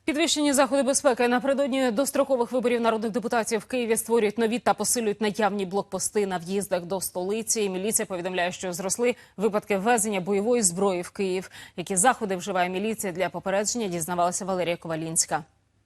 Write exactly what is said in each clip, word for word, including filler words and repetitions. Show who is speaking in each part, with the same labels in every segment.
Speaker 1: Підвищені заходи безпеки напередодні дострокових виборів народних депутатів в Києві створюють нові та посилюють наявні блокпости на в'їздах до столиці. Міліція повідомляє, що зросли випадки ввезення бойової зброї в Київ. Які заходи вживає міліція для попередження, дізнавалася Валерія Ковалінська.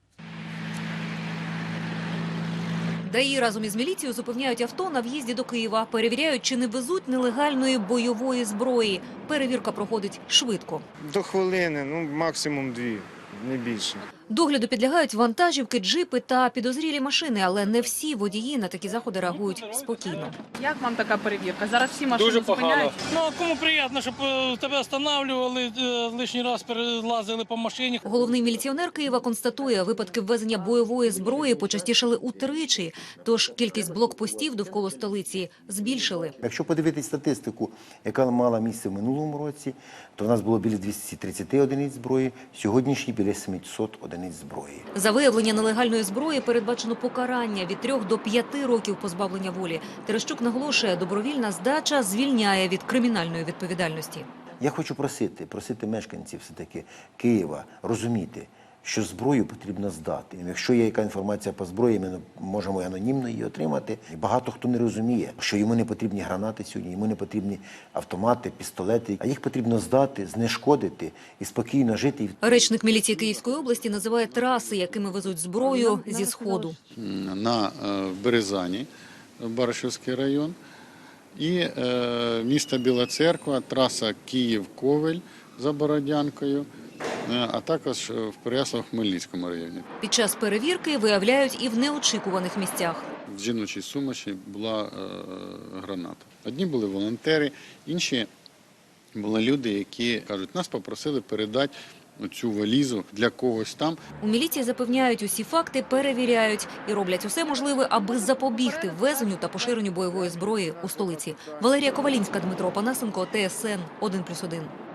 Speaker 2: ДАІ разом із міліцією зупиняють авто на в'їзді до Києва. Перевіряють, чи не везуть нелегальної бойової зброї. Перевірка проходить швидко.
Speaker 3: До хвилини, ну максимум дві, не більше.
Speaker 2: Догляду підлягають вантажівки, джипи та підозрілі машини, але не всі водії на такі заходи реагують спокійно.
Speaker 4: Як вам така перевірка? Зараз всі машини
Speaker 5: Дуже погано.
Speaker 4: зупиняють.
Speaker 5: Ну, кому приємно, щоб е, тебе встановлювали, е, лишній раз перелазили по машині.
Speaker 2: Головний міліціонер Києва констатує, випадки ввезення бойової зброї почастішали утричі, тож кількість блокпостів довкола столиці збільшили.
Speaker 6: Якщо подивитись статистику, яка мала місце в минулому році, то в нас було біля двохсот тридцяти одиниць зброї, сьогоднішні біля сімсот одиниць зброї.
Speaker 2: За виявлення нелегальної зброї передбачено покарання від трьох до п'яти років позбавлення волі. Терещук наголошує, добровільна здача звільняє від кримінальної відповідальності.
Speaker 6: Я хочу просити, просити мешканців все-таки Києва розуміти, що зброю потрібно здати. Якщо є яка інформація по зброї, ми можемо анонімно її отримати. І багато хто не розуміє, що йому не потрібні гранати сьогодні, йому не потрібні автомати, пістолети, а їх потрібно здати, знешкодити і спокійно жити.
Speaker 2: Речник міліції Київської області називає траси, якими везуть зброю зі Сходу.
Speaker 7: На Березані, Баришівський район, і е, місто Біла Церква, траса Київ-Ковель за Бородянкою, а також в Переяслав-Хмельницькому районі.
Speaker 2: Під час перевірки виявляють і в неочікуваних місцях.
Speaker 7: В жіночій сумочі була е, граната. Одні були волонтери, інші були люди, які кажуть, нас попросили передати цю валізу для когось там.
Speaker 2: У міліції запевняють, усі факти перевіряють і роблять усе можливе, аби запобігти ввезенню та поширенню бойової зброї у столиці. Валерія Ковалінська, Дмитро Панасенко, Т С Н один плюс один.